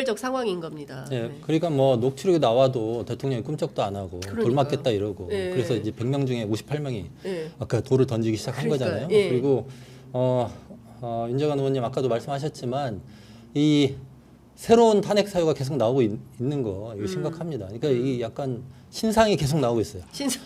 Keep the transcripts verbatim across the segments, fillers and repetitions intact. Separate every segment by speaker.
Speaker 1: 비normal적 상황인 겁니다.
Speaker 2: 네,
Speaker 1: 네.
Speaker 2: 그러니까 뭐 녹취록이 나와도 대통령이 꿈쩍도 안 하고
Speaker 1: 그러니까요.
Speaker 2: 돌 맞겠다 이러고
Speaker 1: 네.
Speaker 2: 그래서 이제 백 명 중에 오십팔 명이
Speaker 1: 네.
Speaker 2: 아까 돌을 던지기 시작한
Speaker 1: 그러니까요.
Speaker 2: 거잖아요.
Speaker 1: 예.
Speaker 2: 그리고 어, 어, 윤재관 의원님 아까도 말씀하셨지만 이 새로운 탄핵 사유가 계속 나오고 있, 있는 거 이거
Speaker 1: 음.
Speaker 2: 심각합니다. 그러니까 이 약간 신상이 계속 나오고 있어요.
Speaker 1: 신상.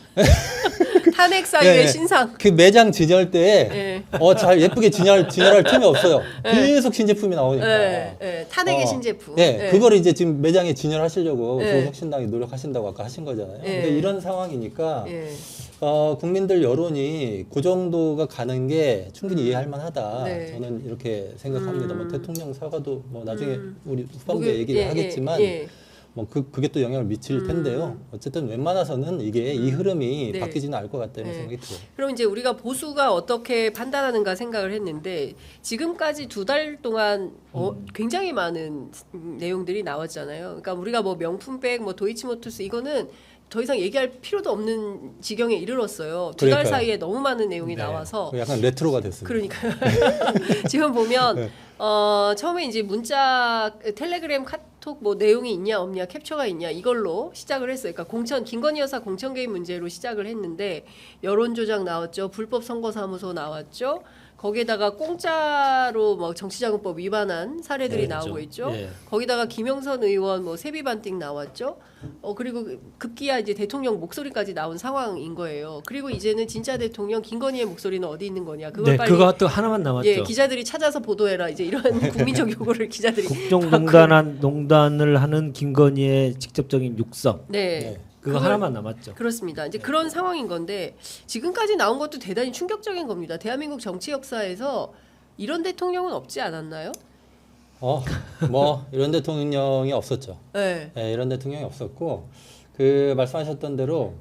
Speaker 1: 탄핵 사유의
Speaker 2: 네, 네.
Speaker 1: 신상.
Speaker 2: 그 매장 진열 때
Speaker 1: 네.
Speaker 2: 어, 잘 예쁘게 진열, 진열할 틈이 없어요. 계속 신제품이 나오니까.
Speaker 1: 네. 네. 탄핵의
Speaker 2: 어,
Speaker 1: 신제품.
Speaker 2: 네,
Speaker 1: 네.
Speaker 2: 그거를 이제 지금 매장에 진열하시려고
Speaker 1: 네.
Speaker 2: 조국신당이 노력하신다고 아까 하신 거잖아요.
Speaker 1: 네.
Speaker 2: 근데 이런 상황이니까
Speaker 1: 네.
Speaker 2: 어, 국민들 여론이 그 정도가 가는 게 충분히 이해할 만하다.
Speaker 1: 네.
Speaker 2: 저는 이렇게 생각합니다.
Speaker 1: 음.
Speaker 2: 뭐 대통령 사과도 뭐 나중에
Speaker 1: 음.
Speaker 2: 우리 후반부에
Speaker 1: 목요-
Speaker 2: 얘기를
Speaker 1: 예,
Speaker 2: 하겠지만
Speaker 1: 예, 예.
Speaker 2: 뭐 그, 그게 또 영향을 미칠
Speaker 1: 음.
Speaker 2: 텐데요. 어쨌든 웬만해서는 이게 이 흐름이
Speaker 1: 네.
Speaker 2: 바뀌지는 않을 것 같다는
Speaker 1: 네.
Speaker 2: 생각이 들어요.
Speaker 1: 그럼 이제 우리가 보수가 어떻게 판단하는가 생각을 했는데 지금까지 두 달 동안 어,
Speaker 2: 음.
Speaker 1: 굉장히 많은 내용들이 나왔잖아요. 그러니까 우리가 뭐 명품백, 뭐 도이치모터스 이거는 더 이상 얘기할 필요도 없는 지경에 이르렀어요. 두 달
Speaker 2: 그러니까요.
Speaker 1: 사이에 너무 많은 내용이
Speaker 2: 네.
Speaker 1: 나와서
Speaker 2: 약간 레트로가 됐습니다.
Speaker 1: 그러니까요. 지금 보면
Speaker 2: 네.
Speaker 1: 어, 처음에 이제 문자, 텔레그램, 카톡 뭐 내용이 있냐 없냐, 캡처가 있냐 이걸로 시작을 했어요. 그러니까 공천 김건희 여사 공천 개입 문제로 시작을 했는데 여론 조작 나왔죠, 불법 선거사무소 나왔죠. 거기에다가 공짜로 뭐 정치자금법 위반한 사례들이
Speaker 2: 네,
Speaker 1: 나오고
Speaker 2: 그렇죠.
Speaker 1: 있죠.
Speaker 2: 예.
Speaker 1: 거기다가 김영선 의원 뭐 세비 반띵 나왔죠. 어 그리고 급기야 이제 대통령 목소리까지 나온 상황인 거예요. 그리고 이제는 진짜 대통령 김건희의 목소리는 어디 있는 거냐? 그걸
Speaker 3: 네,
Speaker 1: 빨리
Speaker 3: 그거 또 하나만 남았죠.
Speaker 1: 예, 기자들이 찾아서 보도해라. 이제 이런 국민적 요구를 기자들이
Speaker 3: 국정농단한 농단을 하는 김건희의 직접적인 육성.
Speaker 1: 네.
Speaker 2: 네.
Speaker 3: 그거
Speaker 1: 그걸-
Speaker 3: 하나만 남았죠.
Speaker 1: 그렇습니다. 이제 그런 상황인 건데 지금까지 나온 것도 대단히 충격적인 겁니다. 대한민국 정치 역사에서 이런 대통령은 없지 않았나요?
Speaker 2: 어, 뭐 이런 대통령이 없었죠.
Speaker 1: 네.
Speaker 2: 네, 이런 대통령이 없었고 그 말씀하셨던 대로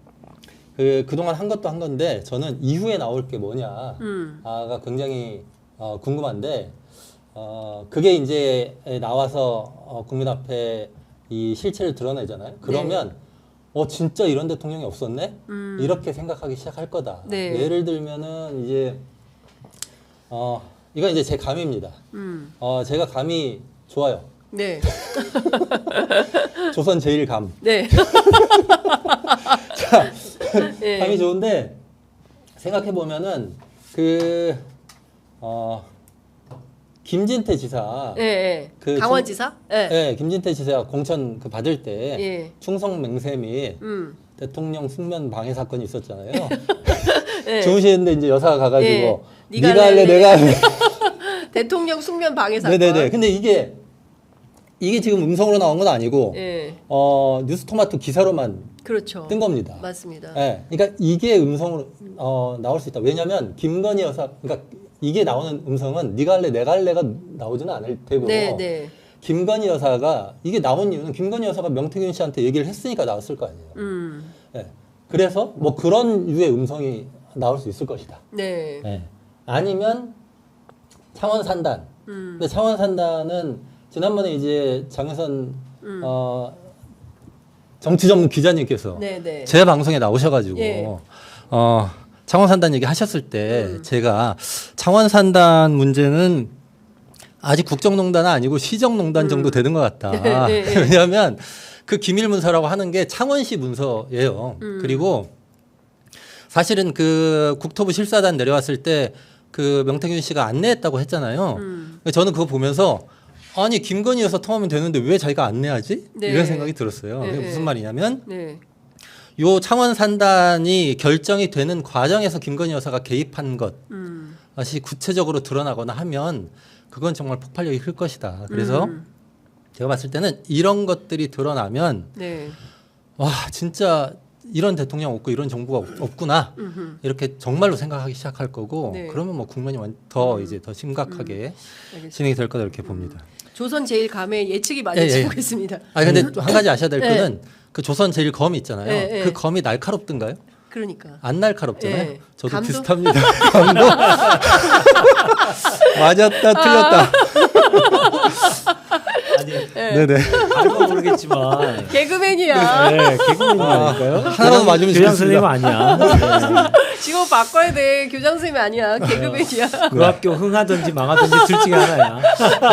Speaker 2: 그 그동안 한 것도 한 건데 저는 이후에 나올 게 뭐냐가
Speaker 1: 음.
Speaker 2: 굉장히 어, 궁금한데 어, 그게 이제 나와서 어, 국민 앞에 이 실체를 드러내잖아요. 그러면 어 진짜 이런 대통령이 없었네?
Speaker 1: 음.
Speaker 2: 이렇게 생각하기 시작할 거다.
Speaker 1: 네.
Speaker 2: 예를 들면은 이제 어 이건 이제 제 감입니다.
Speaker 1: 음.
Speaker 2: 어 제가 감이 좋아요.
Speaker 1: 네.
Speaker 2: 조선 제일 감.
Speaker 1: 네.
Speaker 2: 자,
Speaker 1: 네.
Speaker 2: 감이 좋은데 생각해 보면은 그 어, 김진태 지사,
Speaker 1: 예, 예.
Speaker 2: 그
Speaker 1: 강원지사? 예.
Speaker 2: 예, 김진태 지사가 공천 그 받을 때
Speaker 1: 예.
Speaker 2: 충성 맹세 및
Speaker 1: 음.
Speaker 2: 대통령 숙면 방해 사건이 있었잖아요.
Speaker 1: 예.
Speaker 2: 좋으시는데 이제 여사가 가가지고
Speaker 1: 예.
Speaker 2: 네가,
Speaker 1: 네가
Speaker 2: 할래,
Speaker 1: 할래,
Speaker 2: 내가 할래.
Speaker 1: 대통령 숙면 방해 사건.
Speaker 2: 네네네. 근데 이게 이게 지금 음성으로 나온 건 아니고
Speaker 1: 예.
Speaker 2: 어, 뉴스토마토 기사로만
Speaker 1: 그렇죠.
Speaker 2: 뜬 겁니다.
Speaker 1: 맞습니다.
Speaker 2: 예, 그러니까 이게 음성으로 어, 나올 수 있다. 왜냐하면 김건희 여사, 그러니까 이게 나오는 음성은 네가 할래, 내가 할래가 나오지는 않을 테고.
Speaker 1: 네, 네.
Speaker 2: 김건희 여사가 이게 나온 이유는 김건희 여사가 명태균 씨한테 얘기를 했으니까 나왔을 거 아니에요.
Speaker 1: 음.
Speaker 2: 예, 그래서 뭐 그런 유의 음성이 나올 수 있을 것이다.
Speaker 1: 네.
Speaker 2: 예. 아니면 창원 산단.
Speaker 1: 음.
Speaker 2: 근데 창원 산단은 지난번에 이제 장혜선
Speaker 1: 음.
Speaker 2: 어, 정치 전문 기자님께서
Speaker 1: 네, 네.
Speaker 2: 제 방송에 나오셔가지고
Speaker 1: 예.
Speaker 2: 어, 창원 산단 얘기 하셨을 때
Speaker 1: 음.
Speaker 2: 제가 창원 산단 문제는 아직 국정농단은 아니고 시정농단
Speaker 1: 음.
Speaker 2: 정도 되는 것 같다.
Speaker 1: 네, 네.
Speaker 2: 왜냐하면 그 기밀 문서라고 하는 게 창원시 문서예요.
Speaker 1: 음.
Speaker 2: 그리고 사실은 그 국토부 실사단 내려왔을 때 그 명태균 씨가 안내했다고 했잖아요.
Speaker 1: 음.
Speaker 2: 저는 그거 보면서 아니 김건희 여사 통하면 되는데 왜 자기가 안내하지?
Speaker 1: 네.
Speaker 2: 이런 생각이 들었어요.
Speaker 1: 네,
Speaker 2: 그게
Speaker 1: 네.
Speaker 2: 무슨 말이냐면
Speaker 1: 네.
Speaker 2: 요 창원 산단이 결정이 되는 과정에서 김건희 여사가 개입한 것이
Speaker 1: 음.
Speaker 2: 구체적으로 드러나거나 하면 그건 정말 폭발력이 클 것이다. 그래서
Speaker 1: 음.
Speaker 2: 제가 봤을 때는 이런 것들이 드러나면
Speaker 1: 네.
Speaker 2: 와 진짜 이런 대통령 없고 이런 정부가 없- 없구나
Speaker 1: 음흠.
Speaker 2: 이렇게 정말로 생각하기 시작할 거고
Speaker 1: 네.
Speaker 2: 그러면 뭐 국면이 완- 더
Speaker 1: 음.
Speaker 2: 이제 더 심각하게
Speaker 1: 알겠습니다.
Speaker 2: 진행이 될 거다 이렇게 봅니다.
Speaker 1: 조선 제일 감의 예측이 많이
Speaker 2: 예, 예.
Speaker 1: 지고 있습니다.
Speaker 2: 아 근데 또 한 가지 아셔야 될
Speaker 1: 네.
Speaker 2: 거는 그 조선 제일 검이 있잖아요.
Speaker 1: 네, 네.
Speaker 2: 그 검이 날카롭던가요?
Speaker 1: 그러니까.
Speaker 2: 안 날카롭잖아요.
Speaker 1: 네.
Speaker 2: 저도
Speaker 1: 감도?
Speaker 2: 비슷합니다. 감도 맞았다 틀렸다.
Speaker 3: 아니,
Speaker 1: 네.
Speaker 2: 네네.
Speaker 3: 알고 모르겠지만
Speaker 1: 개그맨이야.
Speaker 3: 네, 개그맨이라니까요.
Speaker 2: 하나라도 맞으면
Speaker 3: 교장 선생님
Speaker 2: 좋겠습니다.
Speaker 3: 아니야. 네.
Speaker 1: 직업 바꿔야 돼. 교장 선생님이 아니야. 개그맨이야.
Speaker 3: 그 학교 흥하든지 망하든지 둘 중에 하나야.